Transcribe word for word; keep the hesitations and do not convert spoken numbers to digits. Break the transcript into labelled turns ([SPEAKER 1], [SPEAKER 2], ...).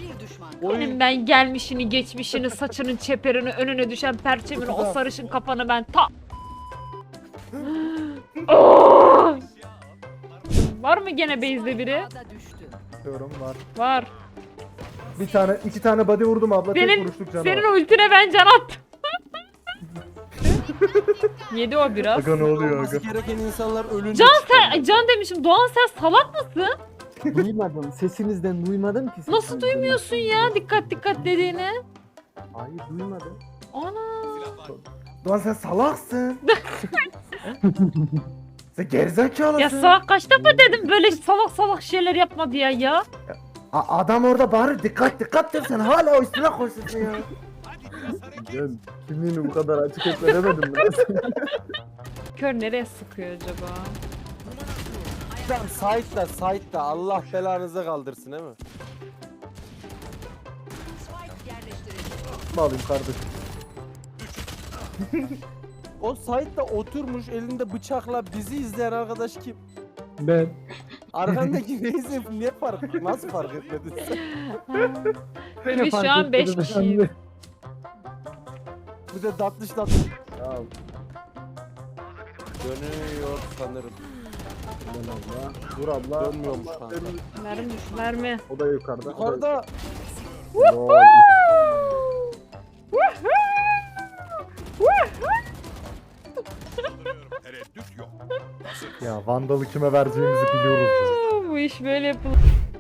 [SPEAKER 1] Benim ben gelmişini, geçmişini, saçının çeperini, önüne düşen perçemini, o sarışın kafanı ben ta... Oh! Var mı gene base'de biri?
[SPEAKER 2] Diyorum var.
[SPEAKER 1] Var.
[SPEAKER 2] Bir tane, iki tane body vurdum abla. Tek
[SPEAKER 1] Senin,
[SPEAKER 2] vuruşluk canı
[SPEAKER 1] senin
[SPEAKER 2] var.
[SPEAKER 1] ultine ben can attım. Yedi o biraz.
[SPEAKER 2] Aga ne oluyor
[SPEAKER 3] Olması
[SPEAKER 2] aga?
[SPEAKER 3] gereken insanlar ölünce
[SPEAKER 1] Can
[SPEAKER 3] çıkıyor.
[SPEAKER 1] sen, Can demişim. Doğan sen salak mısın?
[SPEAKER 4] Duymadım. Sesinizden duymadım ki.
[SPEAKER 1] Nasıl
[SPEAKER 4] sesinizden.
[SPEAKER 1] duymuyorsun ya dikkat dikkat dediğini?
[SPEAKER 4] Hayır duymadım.
[SPEAKER 1] Ana.
[SPEAKER 2] Lan sen salaksın. Sen gerizekalısın.
[SPEAKER 1] Ya salak kaç defa dedim böyle salak salak şeyler yapma diye ya.
[SPEAKER 2] A- adam orada bağırır dikkat dikkat der sen hala o üstüne koşuyorsun ya.
[SPEAKER 4] Ben kimliğini bu kadar açık etme demedim biraz.
[SPEAKER 1] Kör nereye sıkıyor acaba?
[SPEAKER 3] Tamam site'da site'da Allah belanızı kaldırsın değil mi?
[SPEAKER 2] Ne alayım kardeşim?
[SPEAKER 3] O site'da oturmuş elinde bıçakla bizi izleyen arkadaş kim?
[SPEAKER 4] Ben.
[SPEAKER 3] Arkandaki neyse ne fark nasıl fark etmedin sen?
[SPEAKER 1] Biz şu an beş kişiyiz.
[SPEAKER 3] Bir de tatlış tatlış
[SPEAKER 4] Ya
[SPEAKER 3] dönüyor sanırım.
[SPEAKER 4] ben abla. Dur abla.
[SPEAKER 3] Dönmüyormuş kanka.
[SPEAKER 1] Mermi düş mermi.
[SPEAKER 4] O da yukarıda. o da
[SPEAKER 3] Yukarıda
[SPEAKER 4] yukarıda. Lol.
[SPEAKER 2] Ya Vandal'ı kime vereceğimizi biliyoruz ya.
[SPEAKER 1] Bu iş böyle yapılır.